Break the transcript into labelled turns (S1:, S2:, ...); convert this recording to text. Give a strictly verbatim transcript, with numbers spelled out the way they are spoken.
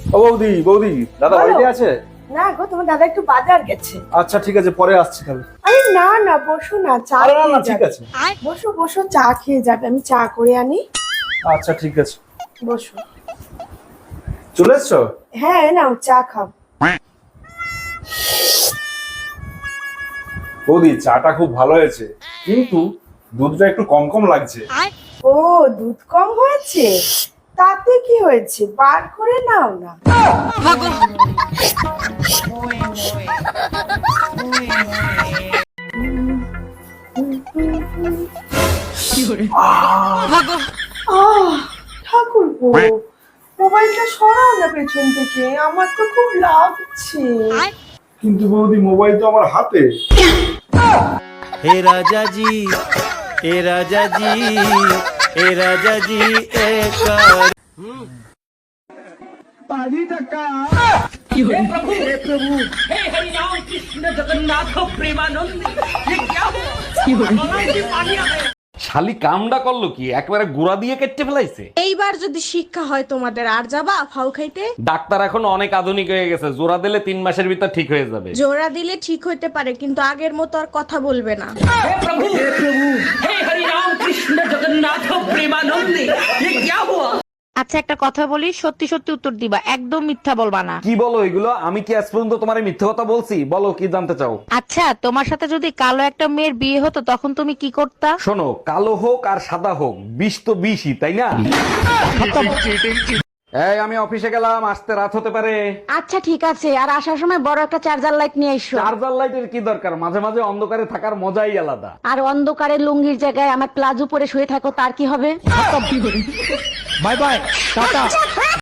S1: ও বৌদি, বৌদি, দাদা
S2: বলো।
S1: বাড়িতে আছে?
S2: না গো, তোমার দাদা একটু বাজার গেছে।
S1: আচ্ছা ঠিক আছে, পরে আসছি তাহলে।
S2: আরে না না, বসো না, চা
S1: আরে না না,
S2: খেয়ে
S1: ঠিক
S2: যাবে।
S1: আছে।
S2: বসো বসো, চা খেয়ে যাবে, আমি চা করে আনি।
S1: আচ্ছা ঠিক আছে।
S2: বসো।
S1: চলে এসছো?
S2: হ্যাঁ নাও, চা খাও।
S1: বৌদি, চাটা খুব ভালো হয়েছে, কিন্তু দুধটা একটু কম কম লাগছে।
S2: ও, দুধ কম হয়েছে? তাতে কি হয়েছে, বার করে নাও না। আহ, ঠাকুরপো, মোবাইলটা সরাও না পেছন থেকে, আমার তো খুব লাগছে।
S1: কিন্তু বৌদি, মোবাইল তো আমার হাতে।
S3: हे राजा जी हे राजा जी हे राजा जी एक
S4: শালি কামডা করলো কি, একবারে গুড়া দিয়ে কেটে ফেলাইছে।
S5: এইবার যদি শিক্ষা হয় তোমাদের, আর যাবা ফাউ খাইতে?
S4: ডাক্তার এখন অনেক আধুনিক হয়ে গেছে, জোড়া দিলে তিন মাসের ভিতর ঠিক হয়ে যাবে।
S5: জোড়া দিলে ঠিক হইতে পারে, কিন্তু আগের মতো আর কথা বলবে না।
S6: আচ্ছা একটা কথা বলি, সত্যি সত্যি উত্তর দিবা, একদম মিথ্যা বলবা না।
S4: কি বলো এগুলো? আমি কি আজ পর্যন্ত তোমার মিথ্যে কথা বলছি? বলো কি জানতে চাও।
S6: আচ্ছা, তোমার সাথে যদি কালো একটা মেয়ের বিয়ে হতো তখন তুমি কি করতা?
S4: শোনো, কালো হোক আর সাদা হোক, বিষ তো বিষই, তাই না? এই আমি অফিসে গেলাম, আসতে রাত হতে পারে।
S6: আচ্ছা ঠিক আছে, আর আসার সময় বড় একটা চার্জার লাইট নিয়ে এসো।
S4: চার্জার লাইটের কি দরকার? মাঝে মাঝে অন্ধকারে থাকার মজাই আলাদা।
S6: আর অন্ধকারে লুঙ্গির জায়গায় আমার প্লাজো পরে শুয়ে থাকো, তার কি হবে?
S3: Bye bye Tata